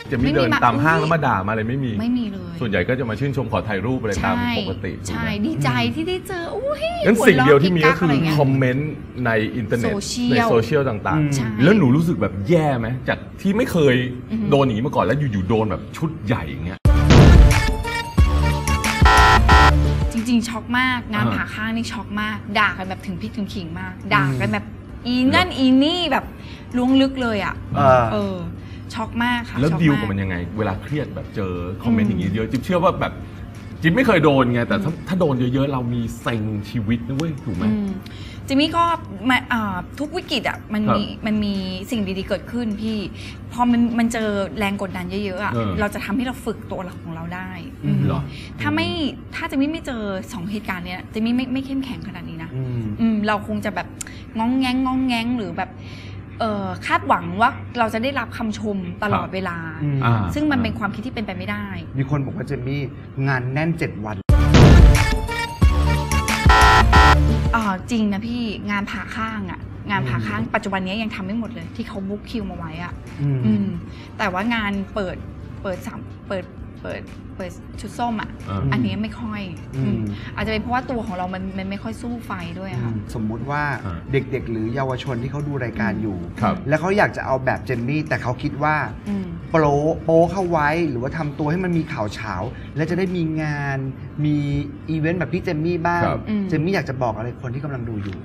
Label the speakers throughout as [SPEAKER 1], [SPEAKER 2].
[SPEAKER 1] จะมีเดินตามห้างแล้วมาด่ามาอะไรไม่มี
[SPEAKER 2] เลย
[SPEAKER 1] ส่วนใหญ่ก็จะมาชื่นชมขอถ่ายรูปอะไรตามปกติ
[SPEAKER 2] ใช่ดีใจที่ได้เจออุ้ย
[SPEAKER 1] งั้นสิ่งเดียวที่มีก็คือคอมเมนต์ในอินเทอร์เน็ตในโซเชียลต่างๆแล้วหนูรู้สึกแบบแย่ไหมจากที่ไม่เคยโดนอย่างนี้มาก่อนแล้วอยู่ๆโดนแบบชุดใหญ่อย่างเงี้ย
[SPEAKER 2] จริงๆช็อกมากงานผ่าข้างนี่ช็อกมากด่ากันแบบถึงพริกถึงขิงมากด่ากันแบบอีนั่นอีนี่แบบล้วงลึกเลยอ่ะช็อกมากค่ะ
[SPEAKER 1] แล้วดีลกับมันยังไงเวลาเครียดแบบเจอคอมเมนต์อย่างนี้เยอะจิ๊บเชื่อว่าแบบจิ๊บไม่เคยโดนไงแต่ถ้าโดนเยอะๆเรามีเซ็งชีวิตนะเว้ยถูกไหม
[SPEAKER 2] จิมมี่ก็ทุกวิกฤตอ่ะมันมีสิ่งดีๆเกิดขึ้นพี่พอมันเจอแรงกดดันเยอะๆอ่ะเราจะทำให้เราฝึกตัวของเราได้ถ้าจิมมี่ไม่เจอ2เหตุการณ์เนี้ยจิมมี่ไม่เข้มแข็งขนาดนี้นะเราคงจะแบบง้องแง้งหรือแบบคาดหวังว่าเราจะได้รับคำชมตลอดเวลาซึ่งมันเป็นความคิดที่เป็นไปไม่ได้
[SPEAKER 3] มีคนบอกว่าเจมมี่งานแน่น7 วัน
[SPEAKER 2] จริงนะพี่งานผ่าข้างปัจจุบันนี้ยังทำไม่หมดเลยที่เขาบุ๊กคิวมาไว้อ่ะแต่ว่างานเปิดชุดส้มอ่ะอันนี้ไม่ค่อยอาจจะเป็นเพราะว่าตัวของเรามันไม่ค่อยสู้ไฟด้วยค่ะ
[SPEAKER 3] สมมุติว่าเด็กๆหรือเยาวชนที่เขาดูรายการอยู่แล้วเขาอยากจะเอาแบบเจมมี่แต่เขาคิดว่าโป๊เข้าไว้หรือว่าทำตัวให้มันมีข่าวเช้าและจะได้มีงานมีอีเวนต์แบบพี่เจมมี่บ้างเจมมี่อยากจะบอกอะไรคนที่กำลังดูอยู่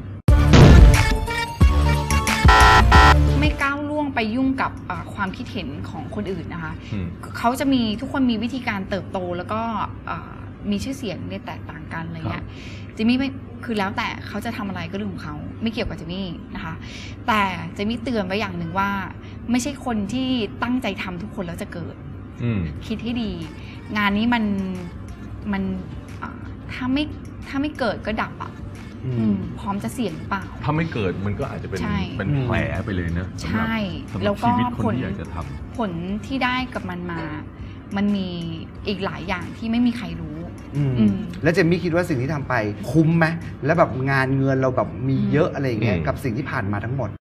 [SPEAKER 2] ไม่ก้าวล่วงไปยุ่งกับความคิดเห็นของคนอื่นนะคะเขาจะมีทุกคนมีวิธีการเติบโตแล้วก็มีชื่อเสียงเนี่ยแตกต่างกันอะไรเงี้ยจิมมี่ไม่คือแล้วแต่เขาจะทำอะไรก็เรื่องของเขาไม่เกี่ยวกับจิมมี่นะคะแต่จิมมี่เตือนไว้อย่างหนึ่งว่าไม่ใช่คนที่ตั้งใจทำทุกคนแล้วจะเกิดคิดให้ดีงานนี้มันถ้าไม่เกิดก็ดับอ่ะพร้อมจะเสี่ยงหรือเปล่า
[SPEAKER 1] ถ้าไม่เกิดมันก็อาจจะเป็นแผลไปเลยนะ
[SPEAKER 2] ใช่แล้วก็ผลที่ได้กับมันมีอีกหลายอย่างที่ไม่มีใครรู้
[SPEAKER 3] แล้วเจมมี่คิดว่าสิ่งที่ทำไปคุ้มไหมแล้วแบบงานเงินเราแบบมีเยอะอะไรอย่างเงี้ยกับสิ่งที่ผ่านมาทั้งหมด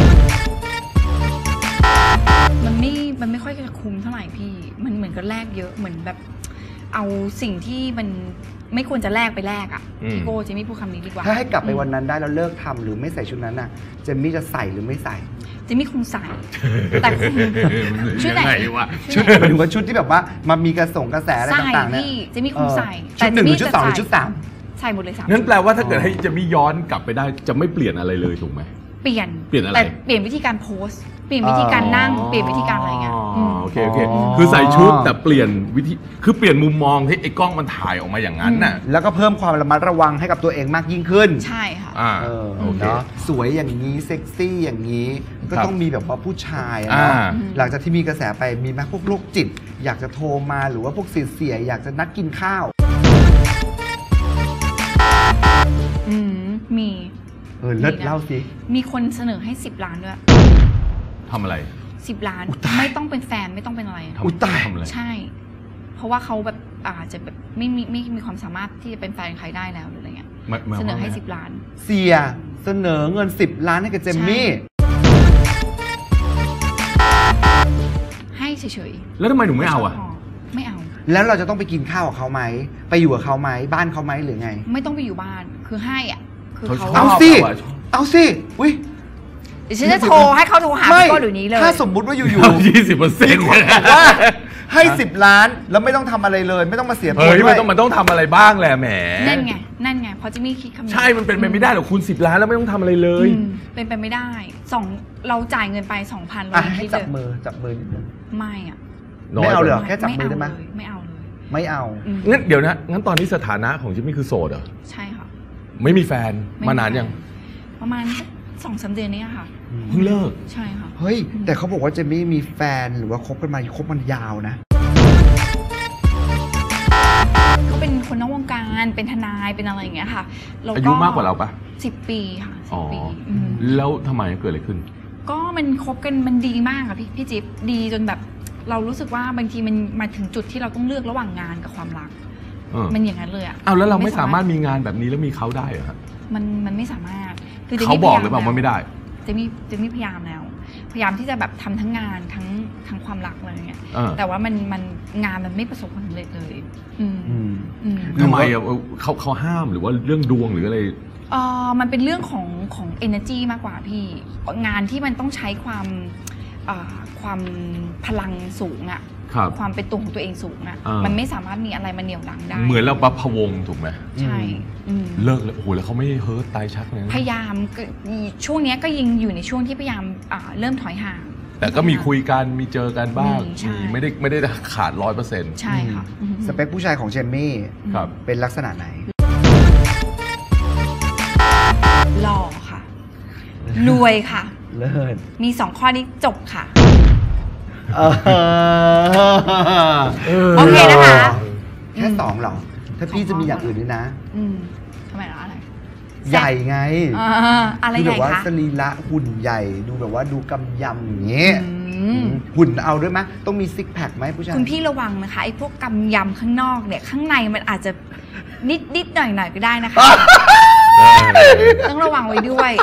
[SPEAKER 2] มันไม่ค่อยจะคุ้มเท่าไหร่พี่มันเหมือนกับแลกเยอะเหมือนแบบเอาสิ่งที่มันไม่ควรจะแลกไปแลกอ่ะพี่โก้เจมมี่พูดคำนี้ดีกว่า
[SPEAKER 3] ถ้าให้กลับไปวันนั้นได้แล้วเลิกทำหรือไม่ใส่ชุดนั้นน่ะเจมมี่จะใส่หรือไม่ใส่
[SPEAKER 2] เจมมี่คงใส่แต่ชุดไหนวะ
[SPEAKER 3] ชุดหมายถึงว่าชุดที่แบบว่ามันมีกระแสอะไรต่างๆเนี่ย
[SPEAKER 2] เจมมี่คงใส่
[SPEAKER 3] ชุด1หรือชุด2หรือชุด
[SPEAKER 2] 3ใส่หมดเลย3
[SPEAKER 1] งั้นแปลว่าถ้าเกิดให้เจมมี่ย้อนกลับไปได้จะไม่เปลี่ยนอะไรเลยถูกไหม
[SPEAKER 2] เปลี่ยน
[SPEAKER 1] อะไร
[SPEAKER 2] แต่เปลี่ยนวิธีการโพสเปลี่ยนวิธีการนั่งเปลี่ยนวิธีการอะไรเงี้ย
[SPEAKER 1] โอเคคือใส่ชุดแต่เปลี่ยนวิธีคือเปลี่ยนมุมมองที่ไอ้กล้องมันถ่ายออกมาอย่างนั้นน่ะ
[SPEAKER 3] แล้วก็เพิ่มความระมัดระวังให้กับตัวเองมากยิ่งขึ้น
[SPEAKER 2] ใช่ค่ะ
[SPEAKER 3] เนาะสวยอย่างนี้เซ็กซี่อย่างนี้ก็ต้องมีแบบว่าผู้ชายนะหลังจากที่มีกระแสไปมีไหมพวกโรคจิตอยากจะโทรมาหรือว่าพวกเสียอยากจะนัดกินข้าว
[SPEAKER 2] มี
[SPEAKER 3] เลิศเล่าสิ
[SPEAKER 2] มีคนเสนอให้10 ล้านด้วย
[SPEAKER 1] ทำอะไร
[SPEAKER 2] 10 ล้านไม่ต้องเป็นแฟนไม่ต้องเป็นอะไร
[SPEAKER 3] ตาย
[SPEAKER 2] ใช่เพราะว่าเขาแบบอาจจะแบบไม่มีความสามารถที่จะเป็นแฟนใครได้แล้วหรืออะไรเงี้ยเสนอให้10 ล้าน
[SPEAKER 3] เสียเสนอเงิน10 ล้านให้กับเจมมี่
[SPEAKER 2] ให้เฉย
[SPEAKER 1] ๆแล้วทำไมหนูไม่เอาอ่ะ
[SPEAKER 2] ไม่เอา
[SPEAKER 3] แล้วเราจะต้องไปกินข้าวกับเขาไหมไปอยู่กับเขาไหมบ้านเขาไหมหรือไง
[SPEAKER 2] ไม่ต้องไปอยู่บ้านคือให้อ่ะคือเขา
[SPEAKER 3] เอาสิอุ้ย
[SPEAKER 2] ฉันจะโทรให้เขาโทรหาพี่ก้หรือนี้เลย
[SPEAKER 3] ถ้าสมมุติว่าอยู่
[SPEAKER 1] 20%
[SPEAKER 3] ว่าให้10 ล้านแล้วไม่ต้องทำอะไรเลยไม่ต้องมาเสีย
[SPEAKER 1] ตัวด้วยมันต้องทำอะไรบ้างแหละแหม
[SPEAKER 2] นั่นไงเพราะจะมีคิดคำนี้
[SPEAKER 1] ใช่มันเป็นไปไม่ได้หรอกคุณ10 ล้านแล้วไม่ต้องทำอะไรเลย
[SPEAKER 2] เป็นไปไม่ได้เราจ่ายเงินไป 2,000เรา
[SPEAKER 3] ให้จับมือนิดนึง
[SPEAKER 2] ไม่อ่ะ
[SPEAKER 3] ไม่เอาเลยแค่จับมือได้ไหม
[SPEAKER 2] ไม่เอาเลย
[SPEAKER 3] ไม่เอา
[SPEAKER 1] งั้นเดี๋ยวนะงั้นตอนนี้สถานะของจิมมี่คือโสดเหรอ
[SPEAKER 2] ใช่ค่ะ
[SPEAKER 1] ไม่มีแฟนมานานยัง
[SPEAKER 2] ประมาณ2-3 เดือนนี้ค่ะ
[SPEAKER 1] เพิ่งเลิก
[SPEAKER 2] ใช่ค่ะ
[SPEAKER 3] เฮ้ยแต่เขาบอกว่าเจมมี่มีแฟนหรือว่าคบมันยาวนะ
[SPEAKER 2] เขาเป็นคนนอกวงการเป็นทนายเป็นอะไรอย่างเงี้ยค่ะ
[SPEAKER 1] อายุมากกว่าเราปะ
[SPEAKER 2] 10 ปีค่ะ10 ปี
[SPEAKER 1] แล้วทำไมเกิดอะไรขึ้น
[SPEAKER 2] ก็มันคบกันมันดีมากค่ะพี่จิ๊บดีจนแบบเรารู้สึกว่าบางทีมันมาถึงจุดที่เราต้องเลือกระหว่างงานกับความรักมันอย่างนั้นเลยอ่ะ
[SPEAKER 1] เอาแล้วเราไม่สามารถมีงานแบบนี้แล้วมีเขาได้เหรอครับ
[SPEAKER 2] มันไม่สามารถ
[SPEAKER 1] เขาบอกหรือเปล่าว่าไม่ได้
[SPEAKER 2] จะมีพยายามแล้วพยายามที่จะแบบทำทั้งงานทั้งความรักอะไรเงี้ยแต่ว่ามันงานมันไม่ประสบความสำเร็จเลย
[SPEAKER 1] ทำไมเขาห้ามหรือว่าเรื่องดวงหรืออะไร
[SPEAKER 2] มันเป็นเรื่องของ energy มากกว่าพี่งานที่มันต้องใช้ความพลังสูงอะความเป็นตัวของตัวเองสูงอะมันไม่สามารถมีอะไรมาเหนี่ยวรั้งได้
[SPEAKER 1] เหมือนเราประพวงถูกไหม
[SPEAKER 2] ใช่
[SPEAKER 1] เลิกแล้วโอ้โหแล้วเขาไม่เฮิร์ตตายชักเลย
[SPEAKER 2] พยายามช่วงนี้ก็ยังอยู่ในช่วงที่พยายามเริ่มถอยห่าง
[SPEAKER 1] แต่ก็มีคุยกันมีเจอกันบ้างไม่ได้ขาด100%
[SPEAKER 2] ใช่ค่ะ
[SPEAKER 3] สเปคผู้ชายของเจมมี่เป็นลักษณะไหน
[SPEAKER 2] หล่อค่ะรวยค่ะ
[SPEAKER 3] เลิศ
[SPEAKER 2] มี2ข้อนี้จบค่ะโอเคนะคะ
[SPEAKER 3] แค่2หรอถ้าพี่จะมีอย่างอื่นด้วยนะ
[SPEAKER 2] ทำไมล่ะอะไร
[SPEAKER 3] ใหญ่ไง
[SPEAKER 2] อะไรใหญ่คะ
[SPEAKER 3] แบบว่าสรีระหุ่นใหญ่ดูแบบว่าดูกำยำอย่างเงี้ยหุ่นเอาด้วยไหมต้องมีซิกแพคไหมผู้ชาย
[SPEAKER 2] คุณพี่ระวังนะคะไอ้พวกกำยำข้างนอกเนี่ยข้างในมันอาจจะนิดหน่อยก็ได้นะคะต้องระวังไว้ด้วย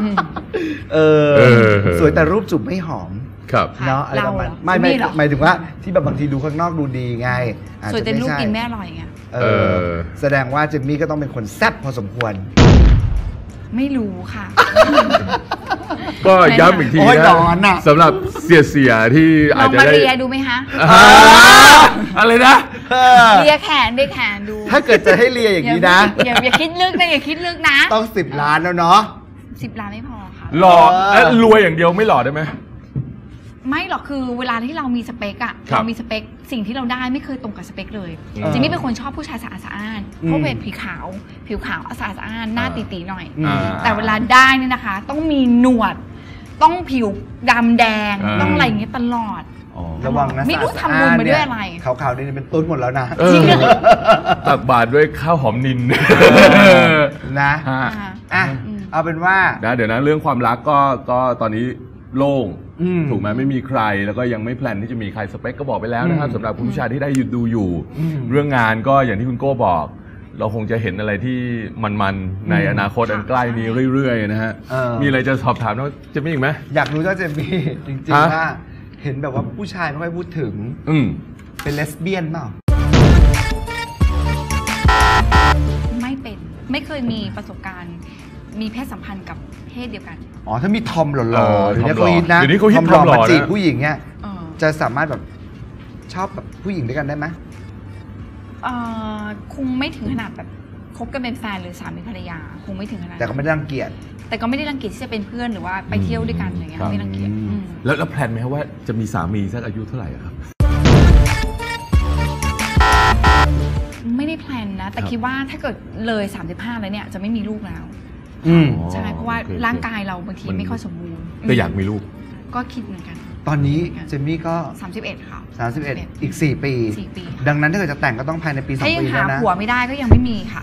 [SPEAKER 3] สวยแต่รูปจูบไม่หอมเนาะอะไรประมาณไม่หมายถึงว่าที่แบบบางทีดูข้างนอกดูดีไง
[SPEAKER 2] สวยแต่รูปกินไม่อร่อยไง
[SPEAKER 3] แสดงว่าเจมมี่ก็ต้องเป็นคนแซ่บพอสมควร
[SPEAKER 2] ไม่รู้ค่ะ
[SPEAKER 1] ก็ย้ำอีกทีนะสำหรับเสียที่อาจจะได้
[SPEAKER 2] ลองมาเรียดูไหมคะ
[SPEAKER 1] อะไรนะ
[SPEAKER 2] เลียแขนดู
[SPEAKER 3] ถ้าเกิดจะให้เลียอย่างนี้นะ
[SPEAKER 2] อย่าคิดลึกนะอย่าคิดลึกนะ
[SPEAKER 3] ต้อง10 ล้านแล้วเนาะ
[SPEAKER 2] 10 ล้านไม่พอค่ะ
[SPEAKER 1] หล่อรวยอย่างเดียวไม่หล่อได้ไหม
[SPEAKER 2] ไม่หรอกคือเวลาที่เรามีสเปคอะเรามีสเปคสิ่งที่เราได้ไม่เคยตรงกับสเปคเลยจริงๆเป็นคนชอบผู้ชายสะอาดสะอ้านเพราะเป็นผิวขาวสะอาดสะอ้านหน้าตีๆหน่อยแต่เวลาได้นี่นะคะต้องมีหนวดต้องผิวดำแดงต้องอะไรอย่างเงี้ยตลอด
[SPEAKER 3] ระวังนะ
[SPEAKER 2] ไม่รู้ทำบุญมาด้วยอะไร
[SPEAKER 3] ขาวๆนี่เป็นต้นหมดแล้วนะ
[SPEAKER 1] ตักบาตรด้วยข้าวหอมนิน
[SPEAKER 3] นะเอาเป็นว่า
[SPEAKER 1] เดี๋ยวนะเรื่องความรักก็ตอนนี้โล่งถูกไหมไม่มีใครแล้วก็ยังไม่แพลนที่จะมีใครสเปคก็บอกไปแล้วนะครับสำหรับผู้ชายที่ได้ดูอยู่เรื่องงานก็อย่างที่คุณโก้บอกเราคงจะเห็นอะไรที่มันๆในอนาคตอันใกล้นี้เรื่อยๆนะฮะมีอะไรจะสอบถามน้องเจมมี่อีกไหม
[SPEAKER 3] อยากรู้เจ้าเจมมี่จริงๆว่าเห็นแบบว่าผู้ชายไม่ค่อยพูดถึงเป็นเลสเบี้ยนเปล่า
[SPEAKER 2] ไม่เป็นไม่เคยมีประสบการณ์มีเพศสัมพันธ์กับเพศเดียวกัน
[SPEAKER 3] ถ้ามีทอมหล่อๆเดี๋ยวนี้เขาฮิตนะ
[SPEAKER 1] ทอมหล่อมา
[SPEAKER 3] จีบผู้หญิงเนี่ยจะสามารถแบบชอบแบบผู้หญิงด้วยกันได้ไหม
[SPEAKER 2] คงไม่ถึงขนาดแบบคบกันเป็นแฟนหรือสามีภรรยาคงไม่ถึงขนาด
[SPEAKER 3] แต่ก็ไม่ได้รังเกียจ
[SPEAKER 2] ที่จะเป็นเพื่อนหรือว่าไปเที่ยวด้วยกันอะไรเงี้ยไม่รังเกียจ
[SPEAKER 1] แล้วแพลนไหมครับว่าจะมีสามีสักอายุเท่าไหร่ครับ
[SPEAKER 2] ไม่ได้แพลนนะแต่คิดว่าถ้าเกิดเลย35แล้วเนี่ยจะไม่มีลูกแล้วใช่เพราะว่าร่างกายเราบางทีไม่ค่อยสมบูรณ์
[SPEAKER 1] แต่อยากมีลูก
[SPEAKER 2] ก็คิดเหมือนกัน
[SPEAKER 3] ตอนนี้เจมมี่ก็
[SPEAKER 2] 31ค่ะ
[SPEAKER 3] 31อีก4 ปีดังนั้นถ้าเกิดจะแต่งก็ต้องภายในปี2 ปีแล้วนะ
[SPEAKER 2] ถ้ายังหาผัวไม่ได้ก็ยังไม่มีค่ะ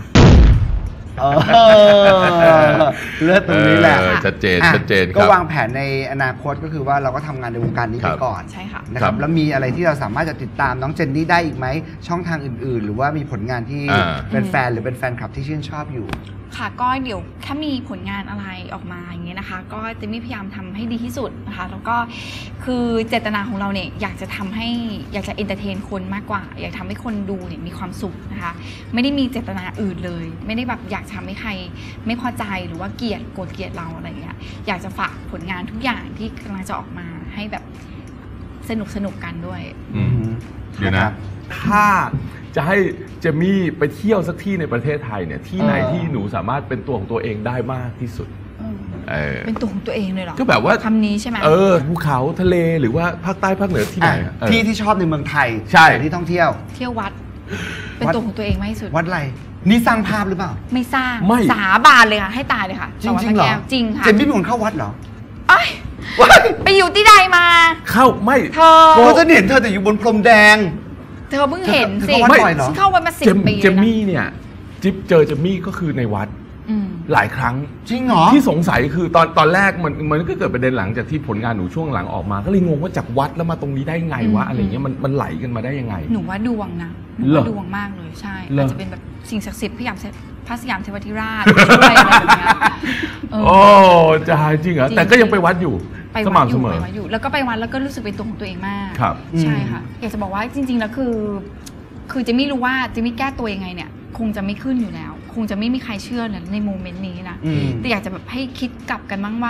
[SPEAKER 3] เลือดตรงนี้แหละ
[SPEAKER 1] ชัดเจน
[SPEAKER 3] ก็วางแผนในอนาคตก็คือว่าเราก็ทำงานในวงการนี้ไปก่อน
[SPEAKER 2] ใช่ค่ะ
[SPEAKER 3] นะครับแล้วมีอะไรที่เราสามารถจะติดตามน้องเจนนี่ได้อีกไหมช่องทางอื่นๆหรือว่ามีผลงานที่เป็นแฟนหรือเป็นแฟนคลับที่ชื่นชอบอยู่
[SPEAKER 2] ค่ะก็เดี๋ยวถ้ามีผลงานอะไรออกมาอย่างเงี้ยนะคะก็จะมีพยายามทำให้ดีที่สุดนะคะแล้วก็คือเจตนาของเราเนี่ยอยากจะเอนเตอร์เทนคนมากกว่าอยากทำให้คนดูเนี่ยมีความสุขนะคะไม่ได้มีเจตนาอื่นเลยไม่ได้แบบอยากทำให้ใครไม่พอใจหรือว่าโกรธเกลียดเราอะไรเงี้ยอยากจะฝากผลงานทุกอย่างที่กำลังจะออกมาให้แบบสนุกกันด้วย
[SPEAKER 1] เดี๋ยวนะถ้าจะให้เจมมี่ไปเที่ยวสักที่ในประเทศไทยเนี่ยที่ไหนที่หนูสามารถเป็นตัวของตัวเองได้มากที่สุด
[SPEAKER 2] เป็นตัวของตัวเองเลยเหรอ
[SPEAKER 1] ก็แบบว่า
[SPEAKER 2] คำนี้ใช่ไหม
[SPEAKER 1] ภูเขาทะเลหรือว่าภาคใต้ภาคเหนือที่ไหน
[SPEAKER 3] ที่ชอบในเมืองไทย
[SPEAKER 1] ใช่
[SPEAKER 3] ที่ท่องเที่ยว
[SPEAKER 2] วัดเป็นตัวของตัวเองมากที่สุด
[SPEAKER 3] วัดอะไรนี่สร้างภาพหรือเปล่า
[SPEAKER 2] ไม่สร้างสาบานเลยค่ะให้ตายเลยค่ะ
[SPEAKER 3] จริงเหรอ
[SPEAKER 2] จริงค่ะ
[SPEAKER 3] เจมมี่เป็นคนเข้าวัดเหรอ
[SPEAKER 2] ไปอยู่ที่ใดมา
[SPEAKER 1] เข้าไม่
[SPEAKER 3] เธอจะเห็นเธอแต่อยู่บนพรมแดง
[SPEAKER 2] เธอเพิ่งเห็นสิเข้าวัดมา10 ปี
[SPEAKER 1] เจมมี่เนี่ยจิ๊บเจอเจมมี่ก็คือในวัดหลายครั้ง
[SPEAKER 3] จริงเหรอ
[SPEAKER 1] ที่สงสัยคือตอนแรกมันก็เกิดประเด็นหลังจากที่ผลงานหนูช่วงหลังออกมาก็เลยงงว่าจากวัดแล้วมาตรงนี้ได้ไงวะอะไรเงี้ยมันไหลกันมาได้ยังไง
[SPEAKER 2] หนูว่าดวงนะหนูว่าดวงมากเลยใช่อาจจะเป็นแบบสิ่งศักดิ์สิทธิ์พยายามพระสยามเทวทิราชช่วยอะไรแบบนี้
[SPEAKER 1] โอ้จะจริงเหรอแต่ก็ยังไปวัดอยู่
[SPEAKER 2] ไปไปวัดอยู่แล้วก็ไปวัดแล้วก็รู้สึกเป็นตัวของตัวเองมาก
[SPEAKER 1] ครับ
[SPEAKER 2] ใช่ค่ะอยากจะบอกว่าจริงๆแล้วคือจะไม่รู้ว่าจะไม่แก้ตัวยังไงเนี่ยคงจะไม่ขึ้นอยู่แล้วคงจะไม่มีใครเชื่อในโมเมนต์นี้นะแต่อยากจะแบบให้คิดกลับกันบ้างว่า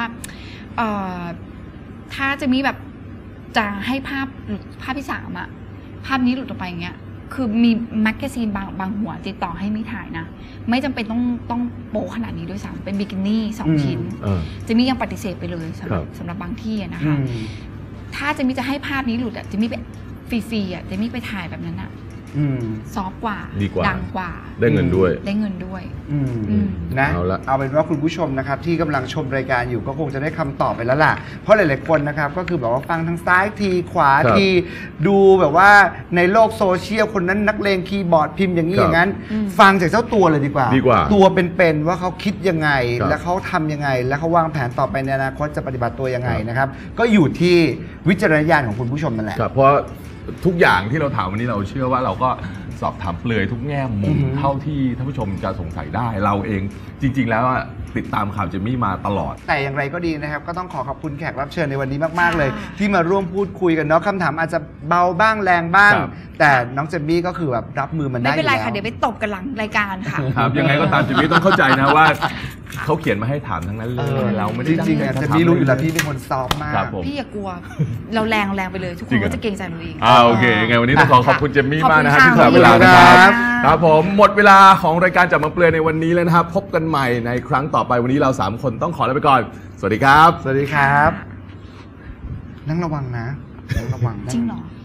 [SPEAKER 2] ถ้าจะมีแบบจะให้ภาพที่3อะภาพนี้หลุดออกไปอย่างเงี้ยคือมีแมกกาซีนบางหัวติดต่อให้มีถ่ายนะไม่จำเป็นต้องโป๊ขนาดนี้ด้วยซ้ำเป็นบิกินี่2 ชิ้นจะมียังปฏิเสธไปเลยสำหรับบางที่นะคะถ้าจะมีจะให้ภาพนี้หลุดอะจะมีไปฟรีๆอะจะมีไปถ่ายแบบนั้นอะซอฟต์กว่าดังกว่า
[SPEAKER 1] ได้เงินด้วย
[SPEAKER 3] นะเอาเป็นว่าคุณผู้ชมนะครับที่กำลังชมรายการอยู่ก็คงจะได้คำตอบไปแล้วล่ะเพราะหลายๆคนนะครับก็คือแบบว่าฟังทางซ้ายทีขวาทีดูแบบว่าในโลกโซเชียลคนนั้นนักเลงคีย์บอร์ดพิมพ์อย่างนี้อย่างนั้นฟังจากเจ้าตัวเลยดีกว่าตัวเป็นๆว่าเขาคิดยังไงและเขาทำยังไงและเขาวางแผนต่อไปในอนาคตจะปฏิบัติตัวยังไงนะครับก็อยู่ที่วิจารณญาณของคุณผู้ชมนั่นแหละ
[SPEAKER 1] เพราะทุกอย่างที่เราถามวันนี้เราเชื่อว่าเราก็สอบถามเปลือยทุกแง่มุมเท่าที่ท่านผู้ชมจะสงสัยได้เราเองจริงๆแล้วติดตามข่าวเจมมี่มาตลอด
[SPEAKER 3] แต่อย่างไรก็ดีนะครับก็ต้องขอบคุณแขกรับเชิญในวันนี้มากๆเลยที่มาร่วมพูดคุยกันเนาะคำถามอาจจะเบาบ้างแรงบ้างแต่น้องเจมมี่ก็คือแบบรับมือมันได้
[SPEAKER 2] ไม่เป็นไรค่ะเดี๋ยวไปตบกันหลังรายการค่ะ
[SPEAKER 1] ครับยังไงก็ตามเจมมี่ต้องเข้าใจนะว่าเขาเขียนมาให้ถามทั้งนั้นเลยเราไม่ได้
[SPEAKER 3] จริงๆเจมมี่รู้อยู่แล้วพี่เป็นคนซอฟมาก
[SPEAKER 2] พี่อย่ากลัวเราแรงไปเลยทุกคนก็จะเกรงใจเราเอง
[SPEAKER 1] โอเคไงวันนี้ต้องขอบคุณเจมมี่มากนะครับที่สละเวลานะครับครับผมหมดเวลาของรายการจับมาเปลือยในวันนี้แล้วนะครับพบกันใหม่ในครั้งต่อไปวันนี้เรา3คนต้องขอลาไปก่อนสวัสดีครับ
[SPEAKER 3] สวัสดีครับนั่งระวังนะนั่งระวัง
[SPEAKER 2] จริงเหรอ